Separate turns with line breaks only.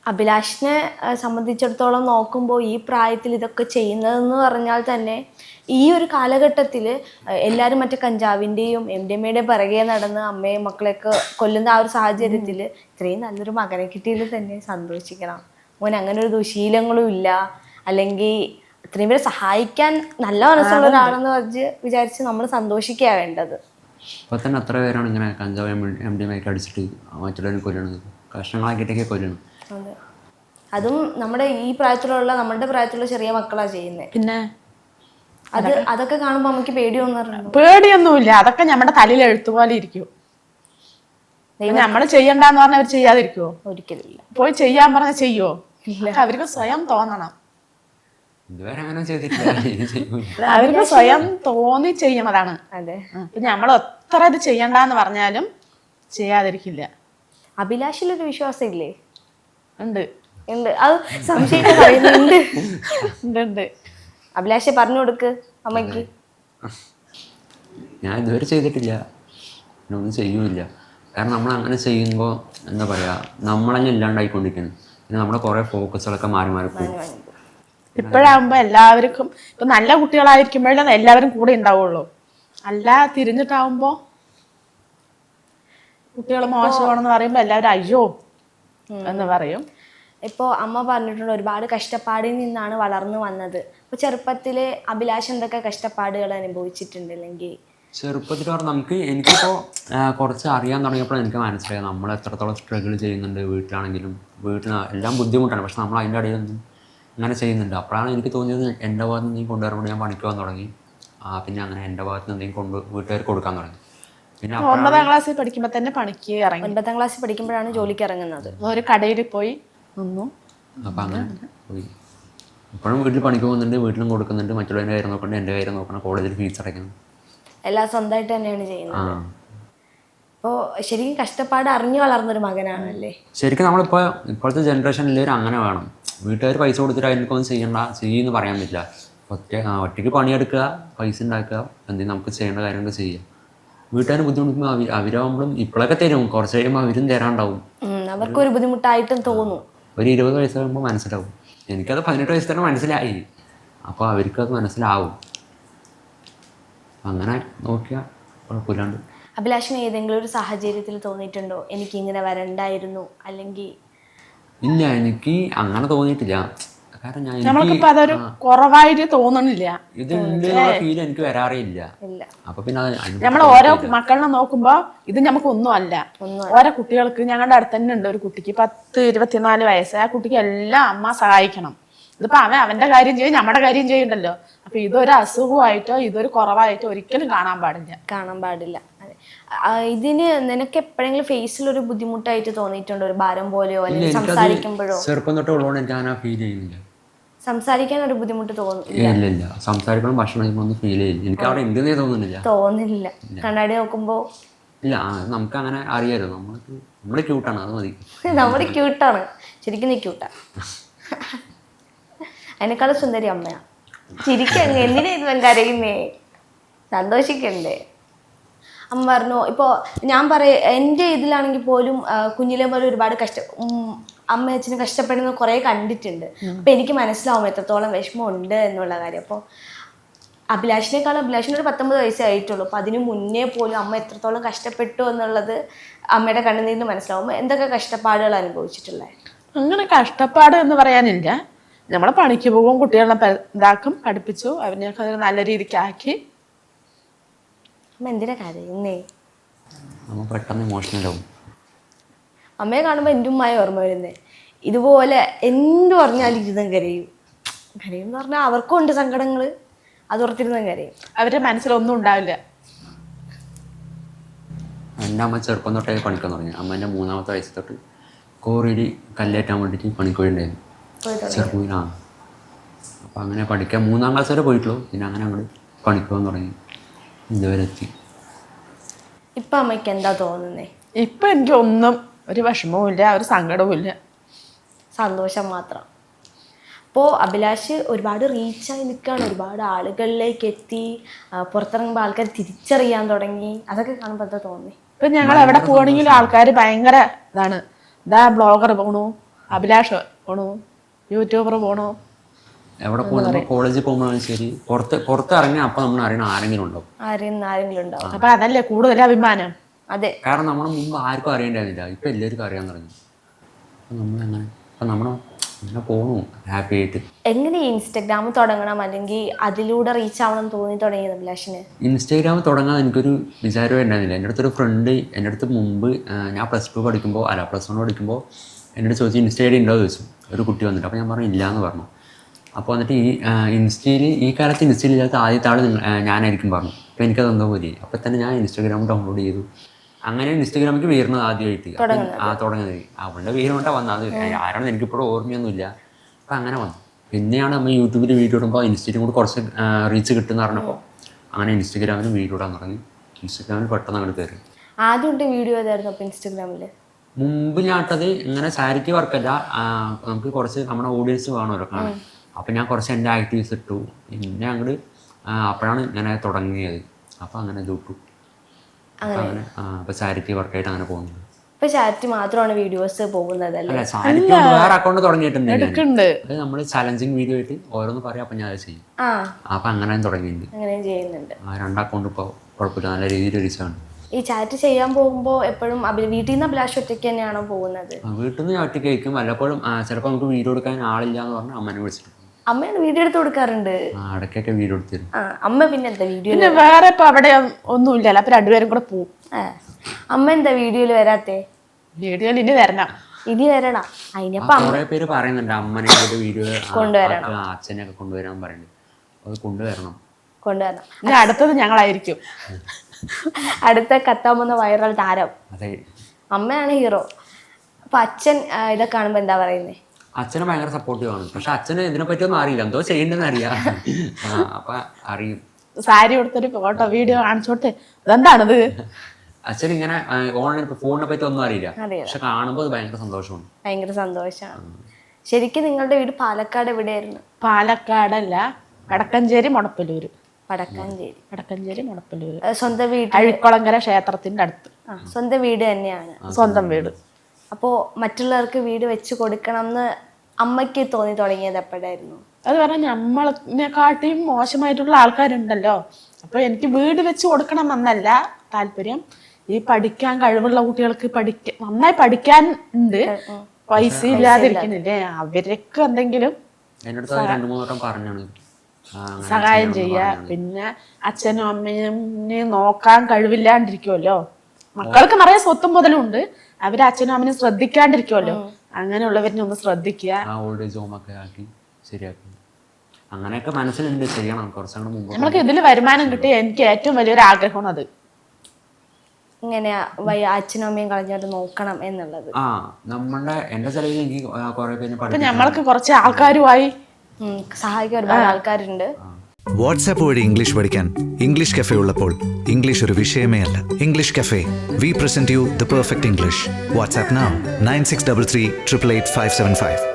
അഭിലാഷിനെ സംബന്ധിച്ചിടത്തോളം നോക്കുമ്പോൾ ഈ പ്രായത്തിൽ ഇതൊക്കെ ചെയ്യുന്നതെന്ന് പറഞ്ഞാൽ തന്നെ ഈ ഒരു കാലഘട്ടത്തിൽ എല്ലാവരും മറ്റേ കഞ്ചാവിൻ്റെയും എം ഡി എമ്മയുടെയും പിറകെ നടന്ന് അമ്മയും മക്കളെയൊക്കെ കൊല്ലുന്ന ആ ഒരു സാഹചര്യത്തിൽ ഇത്രയും നല്ലൊരു മകനെ കിട്ടിയതിൽ തന്നെ സന്തോഷിക്കണം. മോൻ അങ്ങനെ ഒരു ദുശീലങ്ങളും ഇല്ല, അല്ലെങ്കിൽ ഇത്രയും പേരെ സഹായിക്കാൻ നല്ല മനസ്സുള്ള ഒരാളെന്ന് വിചാരിച്ച് നമ്മൾ സന്തോഷിക്കുക വേണ്ടത്.
ഇപ്പൊ തന്നെ അത്ര പേരാണ് ഇങ്ങനെ കഞ്ചാവ് എം ഡി എം ഒക്കെ അടിച്ചിട്ട് മറ്റുള്ളവരെ കൊല്ലണത്, കഷ്ണങ്ങളാക്കിയിട്ടൊക്കെ കൊല്ലണം.
അതെ, അതും നമ്മുടെ ഈ പ്രായത്തിലുള്ള നമ്മുടെ പ്രായത്തിലുള്ള ചെറിയ മക്കളാ ചെയ്യുന്നത്.
പിന്നെ
അതൊക്കെ കാണുമ്പോ നമുക്ക്
പേടിയൊന്നുമില്ല, അതൊക്കെ നമ്മുടെ തലയിൽ എഴുത്തുപോലെ ഇരിക്കും. നമ്മള് ചെയ്യണ്ടെന്ന് പറഞ്ഞാൽ അവർ ചെയ്യാതിരിക്കുവോ?
ഒരിക്കലില്ല.
പോയി ചെയ്യാൻ പറഞ്ഞാൽ ചെയ്യുവോ? അവർക്ക് സ്വയം തോന്നണം. അവർക്ക് സ്വയം തോന്നി ചെയ്യുന്നതാണ്.
അതെ,
നമ്മൾ എത്ര ഇത് ചെയ്യണ്ടെന്ന് പറഞ്ഞാലും ചെയ്യാതിരിക്കില്ല.
അഭിലാഷിലൊരു വിശ്വാസം ഇല്ലേ?
ഉണ്ട്.
അത് സംശയിച്ച് പറയുന്നുണ്ട്.
ഉണ്ട്.
അഭിലാഷെ പറഞ്ഞു കൊടുക്ക് അമ്മയ്ക്ക്.
ഞാൻ ഇതുവരെ ചെയ്തിട്ടില്ല, ഒന്നും ചെയ്യൂല. കാരണം നമ്മൾ അങ്ങനെ ചെയ്യുമ്പോൾ എന്താ പറയുക, നമ്മളന്നെ ഇല്ലാണ്ടായിക്കൊണ്ടിരിക്കുന്നു. പിന്നെ നമ്മുടെ കുറേ ഫോക്കസുകളൊക്കെ മാറി മാറി പോകും.
ഇപ്പോഴാകുമ്പോൾ എല്ലാവർക്കും ഇപ്പം നല്ല കുട്ടികളായിരിക്കുമ്പോഴേ എല്ലാവരും കൂടെ ഉണ്ടാവുള്ളൂ. അല്ല തിരിഞ്ഞിട്ടാവുമ്പോൾ കുട്ടികൾ മോശമാണെന്ന് പറയുമ്പോൾ എല്ലാവരും അയ്യോ എന്ന് പറയും.
ഇപ്പോൾ അമ്മ പറഞ്ഞിട്ടുണ്ട് ഒരുപാട് കഷ്ടപ്പാടിൽ നിന്നാണ് വളർന്നു വന്നത്. അപ്പോൾ ചെറുപ്പത്തിൽ അഭിലാഷ് എന്തൊക്കെ കഷ്ടപ്പാടുകൾ അനുഭവിച്ചിട്ടുണ്ട്? അല്ലെങ്കിൽ
ചെറുപ്പത്തിൽ പറഞ്ഞാൽ എനിക്കിപ്പോൾ കുറച്ച് അറിയാൻ തുടങ്ങിയപ്പോൾ എനിക്ക് മനസ്സിലായത് നമ്മൾ എത്രത്തോളം സ്ട്രഗിൾ ചെയ്യുന്നുണ്ട്. വീട്ടിലാണെങ്കിലും എല്ലാം ബുദ്ധിമുട്ടാണ്, പക്ഷെ നമ്മൾ അതിൻ്റെ ഇടയിലൊന്നും അങ്ങനെ ചെയ്യുന്നുണ്ട്. അപ്പോഴാണ് എനിക്ക് തോന്നിയത് എൻ്റെ ഭാഗത്ത് നിന്ന് കൊണ്ടുവരുമ്പോൾ ഞാൻ പണിക്ക് പോകാൻ തുടങ്ങി. പിന്നെ അങ്ങനെ എൻ്റെ ഭാഗത്ത് നിന്ന് എന്തെങ്കിലും വീട്ടുകാർക്ക് കൊടുക്കാൻ തുടങ്ങി. പിന്നെ
9ാം ക്ലാസ്സിൽ പഠിക്കുമ്പോൾ തന്നെ പണിക്ക് ഇറങ്ങി.
9ാം ക്ലാസ്സിൽ പഠിക്കുമ്പോഴാണ് ജോലിക്ക് ഇറങ്ങുന്നത്.
ഒരു കടയിൽ പോയി നിന്നു.
അപ്പം അങ്ങനെ പോയി. ഇപ്പോഴും വീട്ടിൽ പണിക്ക് പോകുന്നുണ്ട്, വീട്ടിലും കൊടുക്കുന്നുണ്ട്, മറ്റുള്ളവരുടെ കാര്യം നോക്കണം, എൻ്റെ കാര്യം നോക്കണം, കോളേജിൽ ഫീസ് അടയ്ക്കണം,
എല്ലാം സ്വന്തമായിട്ട് തന്നെയാണ് ചെയ്യുന്നത്. അപ്പോൾ ശരിക്കും കഷ്ടപ്പാട് അറിഞ്ഞു വളർന്നൊരു മകനാണല്ലേ?
ശരിക്കും നമ്മളിപ്പോൾ ഇപ്പോഴത്തെ ജനറേഷനിൽ അങ്ങനെ വേണം. വീട്ടുകാർ പൈസ കൊടുത്തിട്ട് അതിനൊന്നും ചെയ്യുമെന്ന് പറയാൻ പറ്റില്ല. ഒറ്റയ്ക്ക് പണിയെടുക്കുക, പൈസ ഉണ്ടാക്കുക, എന്തെങ്കിലും നമുക്ക് ചെയ്യേണ്ട കാര്യങ്ങൾ ചെയ്യുക. വീട്ടുകാർ ബുദ്ധിമുട്ടുമ്പോൾ അവരാകുമ്പോഴും ഇപ്പോഴൊക്കെ തരും, കുറച്ച് കഴിയുമ്പോൾ അവരും തരാണ്ടാവും.
അവർക്കൊരു ബുദ്ധിമുട്ടായിട്ടും തോന്നും.
ഒരു 20 വയസ്സ് കഴിയുമ്പോൾ മനസ്സിലാവും. എനിക്കത് 18 വയസ്സ് തന്നെ മനസ്സിലായി. അപ്പോൾ അവർക്കത് മനസ്സിലാവും. അങ്ങനെ നോക്കിയാൽ കുഴപ്പമില്ലാണ്ട്.
അഭിലാഷിന് ഏതെങ്കിലും ഒരു സാഹചര്യത്തിൽ തോന്നിയിട്ടുണ്ടോ എനിക്കിങ്ങനെ വരണ്ടായിരുന്നു? അല്ലെങ്കിൽ
ഇല്ല, എനിക്ക് അങ്ങനെ തോന്നിയിട്ടില്ല. കാരണം
നമ്മൾക്കിപ്പോൾ അതൊരു കുറവായിട്ട് തോന്നണില്ല.
ഇതിന്റെ ഫീൽ എനിക്ക് വരാറില്ല. അപ്പൊ പിന്നെ
നമ്മൾ ഓരോ മക്കളിനെ നോക്കുമ്പോ ഇത് നമുക്ക് ഒന്നും അല്ല. ഓരോ കുട്ടികൾക്ക് ഞങ്ങളുടെ അടുത്ത് തന്നെ ഉണ്ട് ഒരു കുട്ടിക്ക് 10-24 വയസ്സ്. ആ കുട്ടിക്ക് എല്ലാം അമ്മ സഹായിക്കണം. ഇതിപ്പോ അവന്റെ കാര്യം ചെയ്യും, നമ്മുടെ കാര്യം ചെയ്യണ്ടല്ലോ. അപ്പൊ ഇതൊരു അസുഖമായിട്ടോ ഇതൊരു കുറവായിട്ടോ ഒരിക്കലും കാണാൻ പാടില്ല.
ഇതിന് നിനക്ക് എപ്പോഴെങ്കിലും ഫേസിൽ ഒരു ബുദ്ധിമുട്ടായിട്ട് തോന്നിയിട്ടുണ്ടോ? ഒരു ഭാരം പോലെയോ അല്ലെങ്കിൽ സംസാരിക്കുമ്പോഴോ?
ചെറുപ്പം തൊട്ട് ഉള്ളതുകൊണ്ട് എനിക്ക് അങ്ങനെ ഫീൽ ചെയ്യുന്നില്ല.
സംസാരിക്കാൻ ഒരു ബുദ്ധിമുട്ട്
തോന്നുന്നില്ല. സംസാരിക്കണം, ഭക്ഷണം കഴിക്കുമ്പോൾ ഫീൽ ചെയ്യില്ല. എനിക്ക് അവിടെ എന്തെന്നേ തോന്നുന്നില്ല.
കണ്ണാടി നോക്കുമ്പോ
ഇല്ല. നമുക്ക് അങ്ങനെ അറിയാലോ, നമ്മള് ക്യൂട്ടാണ്, അത് മതി.
നമ്മുടെ ക്യൂട്ടാണ്, ശരിക്കും നീ ക്യൂട്ടാ. അതിനേക്കാളും സുന്ദരി അമ്മയാ. ചിരിക്കങ്ങ് എന്തിനാ ഇത് കരയുന്നേ? സന്തോഷിക്കണ്ടേ? അമ്മ പറഞ്ഞു. ഇപ്പോൾ ഞാൻ എൻ്റെ ഇതിലാണെങ്കിൽ പോലും കുഞ്ഞിലെ പോലെ ഒരുപാട് അമ്മ അച്ഛനും കഷ്ടപ്പെടുന്ന കുറേ കണ്ടിട്ടുണ്ട്. അപ്പം എനിക്ക് മനസ്സിലാവും എത്രത്തോളം വിഷമമുണ്ട് എന്നുള്ള കാര്യം. അപ്പോൾ അഭിലാഷിനൊരു 19 വയസ്സേ ആയിട്ടുള്ളൂ. അപ്പോൾ അതിന് മുന്നേ പോലും അമ്മ എത്രത്തോളം കഷ്ടപ്പെട്ടു എന്നുള്ളത് അമ്മയുടെ കണ്ണുനീരിന് മനസ്സിലാവും. എന്തൊക്കെ കഷ്ടപ്പാടുകൾ അനുഭവിച്ചിട്ടുള്ളത്?
അങ്ങനെ കഷ്ടപ്പാട് എന്ന് പറയാനില്ല. നമ്മൾ പണിക്ക് പോകും, കുട്ടികളെ ഇതാക്കും, പഠിപ്പിച്ചു, അവനെയൊക്കെ നല്ല രീതിക്ക് ആക്കി.
എന്തിനാ കരയുന്നേ?
പെട്ടെന്ന് ഇമോഷണൽ ആവും.
അമ്മയെ കാണുമ്പോൾ എൻ്റെ ഉമ്മായി ഓർമ്മ വരുന്നേ. ഇതുപോലെ എന്ത് പറഞ്ഞാലും ഇരുന്നും കരയും എന്ന് പറഞ്ഞാൽ അവർക്കും ഉണ്ട് സങ്കടങ്ങൾ, അതോർത്തിരുന്നും കരയും.
അവരുടെ മനസ്സിലൊന്നും ഉണ്ടാവില്ല.
എൻ്റെ അമ്മ ചെറുപ്പം തൊട്ടേ പണിക്കാൻ തുടങ്ങി. അമ്മേൻ്റെ 3ാമത്തെ വയസ്സ് തൊട്ട് കോറിയിൽ കല്ലേറ്റാൻ വേണ്ടിയിട്ട് പണിക്കോയിട്ടുണ്ടായിരുന്നു ചെറുപ്പത്തിലാണ്. അപ്പം അങ്ങനെ പഠിക്കാൻ 3ാം ക്ലാസ് വരെ പോയിട്ടുള്ളൂ. പിന്നെ അങ്ങനെ അങ്ങോട്ട് പണിക്കാൻ തുടങ്ങി, ഇതുവരെ എത്തി.
ഇപ്പം അമ്മയ്ക്ക് എന്താ തോന്നുന്നേ?
ഇപ്പം എനിക്ക് ഒന്നും ഒരു വിഷമവും ഇല്ല, ഒരു സങ്കടവും ഇല്ല,
സന്തോഷം മാത്രം. അപ്പോൾ അഭിലാഷ് ഒരുപാട് റീച്ചായി നിൽക്കുകയാണ്, ഒരുപാട് ആളുകളിലേക്ക് എത്തി. പുറത്തിറങ്ങുമ്പോൾ ആൾക്കാർ തിരിച്ചറിയാൻ തുടങ്ങി. അതൊക്കെ കാണുമ്പോൾ എന്താ തോന്നി?
ഇപ്പം ഞങ്ങൾ എവിടെ പോകണമെങ്കിലും ആൾക്കാർ ഭയങ്കര ഇതാണ്, ഇതാ ബ്ലോഗർ പോണു, അഭിലാഷ് പോണു, യൂട്യൂബർ പോണു.
എവിടെ പോകുമ്പോൾ കോളേജിൽ പോകുമ്പോഴാണ് ശരി, പുറത്തിറങ്ങിയാൽ അപ്പം നമ്മൾ അറിയണം ആരെങ്കിലും ഉണ്ടാവും.
ആരെങ്കിലും ഉണ്ടാവും.
അപ്പൊ അതല്ലേ കൂടുതൽ അഭിമാനം.
അതെ,
കാരണം നമ്മളെ മുമ്പ് ആർക്കും അറിയേണ്ടായിരുന്നില്ല, ഇപ്പം എല്ലാവർക്കും അറിയാൻ തുടങ്ങി. അപ്പം നമ്മളങ്ങനെ അങ്ങനെ പോകണു ഹാപ്പി ആയിട്ട്.
എങ്ങനെ ഇൻസ്റ്റഗ്രാം തുടങ്ങണം അല്ലെങ്കിൽ അതിലൂടെ റീച്ച് ആവണം തോന്നി തുടങ്ങിയത് അഭിലാഷിന്?
ഇൻസ്റ്റാഗ്രാം തുടങ്ങാൻ എനിക്കൊരു വിചാരമേ ഉണ്ടായിരുന്നില്ല. എൻ്റെ അടുത്തൊരു ഫ്രണ്ട് എൻ്റെ അടുത്ത് മുമ്പ് ഞാൻ +2 പഠിക്കുമ്പോൾ +1 പഠിക്കുമ്പോൾ എൻ്റെ അടുത്ത് ചോദിച്ചു ഇൻസ്റ്റ ഐ ഡി ഉണ്ടോ ചോദിച്ചു. ഒരു കുട്ടി വന്നിട്ട്, അപ്പോൾ ഞാൻ പറഞ്ഞു ഇല്ല എന്ന് പറഞ്ഞു. അപ്പോൾ വന്നിട്ട് ഈ കാലത്ത് ഇൻസ്റ്റയിൽ ഇല്ലാത്ത ആദ്യത്തെ ആൾ ഞാനായിരിക്കും പറഞ്ഞു. അപ്പോൾ എനിക്കത് എന്തോ പോലെ. അപ്പോൾ തന്നെ ഞാൻ ഇൻസ്റ്റാഗ്രാം ഡൗൺലോഡ് ചെയ്തു. അങ്ങനെ ഇൻസ്റ്റാഗ്രാമിലേക്ക് വരുന്നത് ആദ്യമായിട്ട് തുടങ്ങുന്നത് അവളുടെ പേര് കൊണ്ടാണ് വന്നത്. ആരാണെന്ന് എനിക്കിപ്പോഴും ഓർമ്മയൊന്നുമില്ല. അപ്പം അങ്ങനെ വന്നു. പിന്നെയാണ് നമ്മൾ യൂട്യൂബിൽ വീഡിയോ ഇടുമ്പോൾ ഇൻസ്റ്റയിലും കൂടി കുറച്ച് റീച്ച് കിട്ടുമെന്ന് പറഞ്ഞപ്പോൾ അങ്ങനെ ഇൻസ്റ്റഗ്രാമിൽ വീഡിയോ ഇടാൻ തുടങ്ങി. ഇൻസ്റ്റഗ്രാമിൽ പെട്ടെന്ന് അങ്ങോട്ട് കയറി.
ആദ്യമായിട്ട് വീഡിയോ ഏതായിരുന്നു അപ്പോൾ ഇൻസ്റ്റഗ്രാമിൽ?
മുമ്പ് ഞാൻ ഇട്ടത് ഇങ്ങനെ ചാരിറ്റി വർക്കല്ല, നമുക്ക് കുറച്ച് നമ്മുടെ ഓഡിയൻസ് വേണമല്ലോ കാണാൻ. അപ്പം ഞാൻ കുറച്ച് എൻ്റെ ആക്ടിവിറ്റീസ് ഇട്ടു. പിന്നെ അങ്ങോട്ട് അപ്പോഴാണ് ഇങ്ങനെ തുടങ്ങിയത്. അപ്പം അങ്ങനെ ഇത് ഇട്ടു. അങ്ങനെ അപ്പോൾ ചാരിറ്റി വർക്കായിട്ട് അങ്ങനെ പോകുന്നത്.
ഇപ്പൊ ചാരിറ്റി മാത്രമാണ് വീഡിയോസ് പോകുന്നത് അല്ലേ?
അല്ല, ചാരിറ്റി വേറെ അക്കൗണ്ട് തുടങ്ങിയിട്ടുണ്ട്. അത് നമ്മൾ ചലഞ്ചിങ് വീഡിയോ ആയിട്ട് ഓരോന്ന് പറയാം, അപ്പം ഞാൻ അത് ചെയ്യും. അപ്പം അങ്ങനെ തുടങ്ങിയിട്ടുണ്ട്.
അങ്ങനെ ചെയ്യുന്നുണ്ട്.
2 അക്കൗണ്ട് ഇപ്പോൾ കുഴപ്പമില്ല, നല്ല രീതിയിൽ റീച്ചാണ്.
ഈ ചാറ്റ് ചെയ്യാൻ പോകുമ്പോൾ എപ്പോഴും വീട്ടിൽ നിന്ന് അഭിലാഷ് ഒറ്റയ്ക്ക് തന്നെയാണോ പോകുന്നത്?
വീട്ടിൽ നിന്ന് ഒറ്റയ്ക്ക് കഴിക്കും. വല്ലപ്പോഴും ചിലപ്പോൾ നമുക്ക് വീഡിയോ എടുക്കാൻ ആളില്ല എന്ന് പറഞ്ഞാൽ അമ്മനെ വിളിച്ചിട്ട്
അമ്മയാണ് വീഡിയോ എടുത്ത് കൊടുക്കാറുണ്ട്.
ഇടയ്ക്കൊക്കെ വീഡിയോ എടുത്തിരും.
അമ്മ പിന്നെ എന്താ വീഡിയോ?
പിന്നെ വേറെ ഇപ്പൊ അവിടെ ഒന്നും ഇല്ലല്ലോ, അപ്പൊ രണ്ടുപേരും കൂടെ പോവും.
അമ്മ എന്താ വീഡിയോയിൽ വരാത്തെ?
വീഡിയോയിൽ ഇനി വരണം,
ഇനി വരണം. അതിനപ്പം
കുറെ പേര് പറയുന്നുണ്ട് അമ്മനെ വീഡിയോ
കൊണ്ടുവരണം,
അച്ഛനെയൊക്കെ കൊണ്ടുവരാൻ പറയുന്നുണ്ട്. അത് കൊണ്ടുവരണം.
ഇനി അടുത്തത് ഞങ്ങളായിരിക്കും.
അടുത്ത കത്താൻ പോകുന്ന വൈറൽ താരം.
അതെ,
അമ്മയാണ് ഹീറോ. അപ്പൊ അച്ഛൻ ഇതൊക്കെ കാണുമ്പോ എന്താ പറയുന്നേ?
അച്ഛന് ഭയങ്കര സപ്പോർട്ടീവ് ആണ്. പക്ഷെ അച്ഛന് ഇതിനെ പറ്റിയൊന്നും അറിയില്ല, എന്തോ ചെയ്യണ്ടെന്ന് അറിയാം. അപ്പൊ അറിയും.
സാരി കൊടുത്തൊരു ഫോട്ടോ വീഡിയോ കാണിച്ചോട്ടെ, അതെന്താണത്?
അച്ഛൻ ഇങ്ങനെ ഓൺലൈൻ ഫോണിനെ പറ്റി ഒന്നും അറിയില്ല, പക്ഷെ കാണുമ്പോൾ ഭയങ്കര സന്തോഷമാണ്.
ഭയങ്കര സന്തോഷമാണ്. ശരിക്കും നിങ്ങളുടെ വീട് പാലക്കാട് എവിടെയായിരുന്നു?
പാലക്കാടല്ല, വടക്കഞ്ചേരി മുടപ്പല്ലൂര്.
വടക്കഞ്ചേരി
മുടപ്പല്ലൂര്.
സ്വന്തം വീട്
അഴിക്കുളങ്കര ക്ഷേത്രത്തിന്റെ അടുത്ത്.
സ്വന്തം വീട് തന്നെയാണ്?
സ്വന്തം വീട്.
അപ്പോ മറ്റുള്ളവർക്ക് വീട് വെച്ച് കൊടുക്കണം എന്ന് അമ്മയ്ക്ക് തോന്നി തുടങ്ങിയത് എപ്പോഴായിരുന്നു?
അത് പറഞ്ഞാൽ നമ്മളെക്കാട്ടിയും മോശമായിട്ടുള്ള ആൾക്കാരുണ്ടല്ലോ. അപ്പൊ എനിക്ക് വീട് വെച്ച് കൊടുക്കണം എന്നല്ല താല്പര്യം. ഈ പഠിക്കാൻ കഴിവുള്ള കുട്ടികൾക്ക് നന്നായി പഠിക്കാൻ ഉണ്ട്, പൈസ ഇല്ലാതിരിക്കുന്നില്ലേ, അവർക്ക് എന്തെങ്കിലും സഹായം ചെയ്യാ. പിന്നെ അച്ഛനും അമ്മയും നോക്കാൻ കഴിവില്ലാണ്ടിരിക്കുമല്ലോ, മക്കൾക്ക് നിറയെ സ്വത്തും മുതലും ഉണ്ട്, അവര് അച്ഛനും അമ്മയും ശ്രദ്ധിക്കാണ്ടിരിക്കുമല്ലോ, അങ്ങനെയുള്ളവരിനെ ഒന്ന് ശ്രദ്ധിക്കുക.
അങ്ങനെയൊക്കെ മനസ്സിലുണ്ട്, ചെയ്യണം. കുറച്ചുകൂടെ മുമ്പ്
നമ്മൾക്ക് ഇതിൽ വരുമാനം കിട്ടിയ എനിക്ക് ഏറ്റവും വലിയൊരു ആഗ്രഹമാണ് അത്.
ഇങ്ങനെ അച്ഛനും അമ്മയും കളഞ്ഞോട്ട് നോക്കണം എന്നുള്ളത്.
നമ്മളുടെ എന്റെ ചെലവിൽ എനിക്ക് കുറെ പേര്
നമ്മൾക്ക് കുറച്ച് ആൾക്കാരുമായി
സഹായിക്കാൻ ഒരുപാട് ആൾക്കാരുണ്ട്.
വാട്സാപ്പ് വഴി ഇംഗ്ലീഷ് പഠിക്കാൻ ഇംഗ്ലീഷ് കഫേ ഉള്ളപ്പോൾ ഇംഗ്ലീഷ് ഒരു വിഷയമേ അല്ല. English cafe, we present you the perfect English. WhatsApp now 9633 888 575.